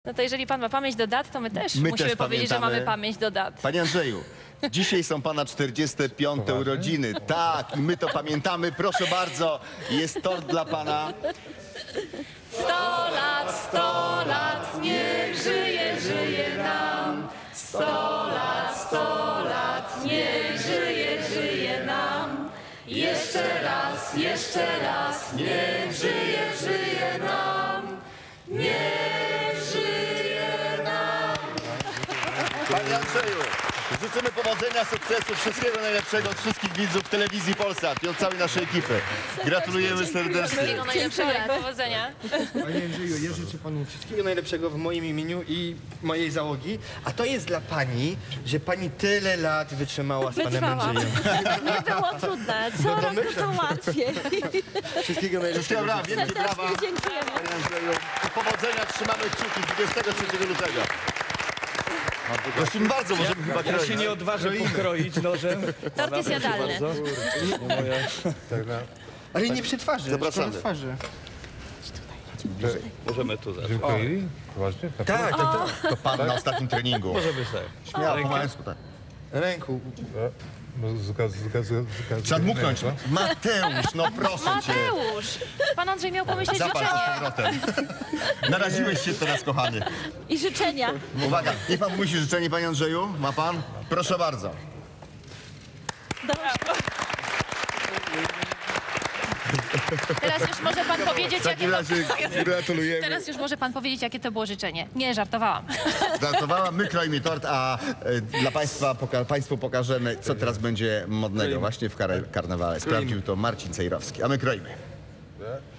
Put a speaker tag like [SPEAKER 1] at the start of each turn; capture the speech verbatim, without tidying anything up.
[SPEAKER 1] No to jeżeli pan ma pamięć do dat, to my też
[SPEAKER 2] My
[SPEAKER 1] musimy
[SPEAKER 2] też
[SPEAKER 1] powiedzieć, że
[SPEAKER 2] pamiętamy.
[SPEAKER 1] mamy pamięć do dat.
[SPEAKER 2] Panie Andrzeju, dzisiaj są pana czterdzieste piąte urodziny. Tak, i my to pamiętamy. Proszę bardzo, jest tort dla pana.
[SPEAKER 1] Sto lat, sto lat, niech żyje, żyje nam. Sto lat, sto lat, niech żyje, żyje nam. Jeszcze raz, jeszcze raz, niech żyje, żyje nam. Niech żyje nam.
[SPEAKER 2] Panie Andrzeju, życzymy powodzenia, sukcesu, wszystkiego najlepszego od wszystkich widzów telewizji Polsat i od całej naszej ekipy. Gratulujemy serdecznie.
[SPEAKER 1] Wszystkiego najlepszego i powodzenia.
[SPEAKER 3] Panie Andrzeju, ja życzę panu wszystkiego najlepszego w moim imieniu i mojej załogi. A to jest dla pani, że pani tyle lat wytrzymała z panem
[SPEAKER 4] Wytrwałam.
[SPEAKER 3] Andrzejem.
[SPEAKER 4] Nie było trudne, co roku
[SPEAKER 3] domyślam
[SPEAKER 4] to
[SPEAKER 3] się.
[SPEAKER 4] łatwiej.
[SPEAKER 3] Wszystkiego
[SPEAKER 2] Wszystkiego
[SPEAKER 3] najlepszego.
[SPEAKER 2] brawa, wielkie brawa.
[SPEAKER 4] Serdecznie dziękujemy.
[SPEAKER 2] Panie Andrzeju, powodzenia, trzymamy kciuki dwudziestego trzeciego lutego. Prosimy bardzo, możemy chyba
[SPEAKER 5] Ja się
[SPEAKER 2] kroić.
[SPEAKER 5] nie odważę pokroić nożem.
[SPEAKER 1] Tort jest jadalny.
[SPEAKER 3] Ale nie przy twarzy,
[SPEAKER 2] Zapraszamy.
[SPEAKER 3] tylko na twarzy.
[SPEAKER 5] Możemy tu zacząć.
[SPEAKER 6] Dziękuję. Poważnie?
[SPEAKER 3] Tak, tak, tak.
[SPEAKER 2] To pan na ostatnim treningu.
[SPEAKER 5] Możemy sobie.
[SPEAKER 2] Śmiało, po męsku, tak.
[SPEAKER 3] Ręku.
[SPEAKER 6] No, zuka, zuka, zuka,
[SPEAKER 2] Trzeba dmuchnąć. Mateusz, no proszę cię.
[SPEAKER 1] Mateusz! Pan Andrzej miał pomyśleć
[SPEAKER 2] Zapal to z
[SPEAKER 1] życzenie.
[SPEAKER 2] powrotem. Naraziłeś się teraz, kochany.
[SPEAKER 4] I życzenia.
[SPEAKER 2] Uwaga, niech pan musi życzenie, panie Andrzeju. Ma pan? Proszę bardzo.
[SPEAKER 1] Teraz już może pan powiedzieć,
[SPEAKER 2] W takim
[SPEAKER 1] jakie to...
[SPEAKER 2] razie gratulujemy.
[SPEAKER 1] Teraz już może pan powiedzieć, jakie to było życzenie. Nie, żartowałam.
[SPEAKER 2] Żartowała, my kroimy tort, a e, dla państwa poka państwu pokażemy, co teraz będzie modnego właśnie w kar karnawale. Sprawdził to Marcin Cejrowski, a my kroimy.